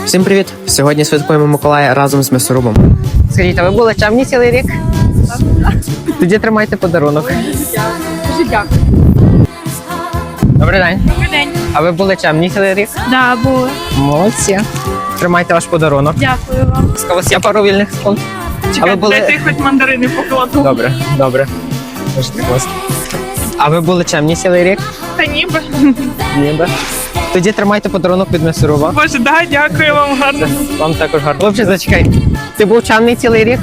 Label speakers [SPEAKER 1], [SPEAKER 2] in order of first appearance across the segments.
[SPEAKER 1] Всім привіт! Сьогодні святкуємо Миколая разом з м'ясорубом. Скажіть, а ви були чемні цілий рік? Так. Тоді тримайте подарунок.
[SPEAKER 2] Дуже дякую.
[SPEAKER 1] Добрий день.
[SPEAKER 2] Добрий день.
[SPEAKER 1] А ви були чемні цілий рік?
[SPEAKER 2] Да, були.
[SPEAKER 1] Молодці. Тримайте ваш подарунок.
[SPEAKER 2] Дякую вам.
[SPEAKER 1] У вас є пару вільних секунд? А ви були...
[SPEAKER 2] Дайте хоч мандарини покладу.
[SPEAKER 1] Добре, добре. Можете класно. А ви були чемні цілий рік?
[SPEAKER 2] Та ніби.
[SPEAKER 1] Ніби. Тоді тримайте подарунок від м'ясоруба.
[SPEAKER 2] Боже, да, дякую вам гарно.
[SPEAKER 1] Вам також гарно. Хлопче, зачекай. Ти був чемний цілий рік?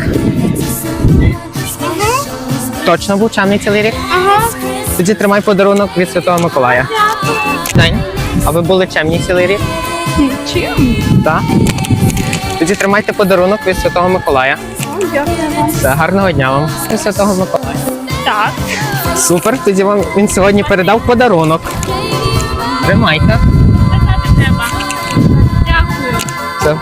[SPEAKER 1] Точно був чемний цілий рік?
[SPEAKER 2] Ага.
[SPEAKER 1] Тоді тримай подарунок від Святого Миколая. День. А ви були чемні цілий рік?
[SPEAKER 2] Чим?
[SPEAKER 1] Так. Тоді тримайте подарунок від Святого Миколая.
[SPEAKER 2] Дякую вам.
[SPEAKER 1] Все, гарного дня вам. Від Святого Миколая.
[SPEAKER 2] Так.
[SPEAKER 1] Супер, тоді вам він сьогодні передав подарунок. Тримайте.
[SPEAKER 2] Питати треба. Дякую.
[SPEAKER 1] Все.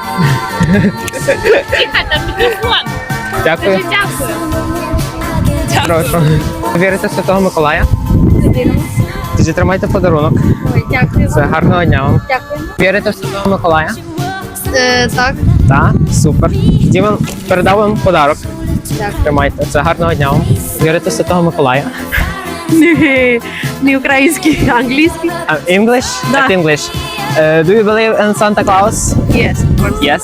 [SPEAKER 2] Тихо, там мікрофон.
[SPEAKER 1] Дякую.
[SPEAKER 2] Кажи дякую.
[SPEAKER 1] Прошу. Ви вірите в Святого Миколая? Тоді тримайте подарунок.
[SPEAKER 2] Ой, дякую.
[SPEAKER 1] Все, гарного дня вам.
[SPEAKER 2] Дякую.
[SPEAKER 1] Вірите в Святого Миколая?
[SPEAKER 2] Так.
[SPEAKER 1] Так, супер. Тоді він передав вам подарок.
[SPEAKER 2] Дякую.
[SPEAKER 1] Тримайте. Це гарного дня вам. Вірите в Святого Миколая?
[SPEAKER 2] Не український, а англійський.
[SPEAKER 1] English?
[SPEAKER 2] Да.
[SPEAKER 1] At English. Do you believe in Santa Claus?
[SPEAKER 2] Yes, of course.
[SPEAKER 1] Yes.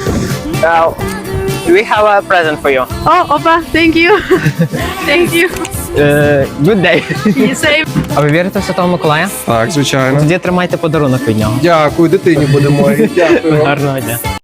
[SPEAKER 1] We have a present for you.
[SPEAKER 2] Oh, опа, thank you. Thank you.
[SPEAKER 1] Good day.
[SPEAKER 2] You save.
[SPEAKER 1] А ви вірите в Святого Миколая?
[SPEAKER 3] Так, звичайно.
[SPEAKER 1] Тоді тримайте подарунок від нього.
[SPEAKER 3] Дякую, дитині буде моїй. Дякую.
[SPEAKER 1] Гарного дня.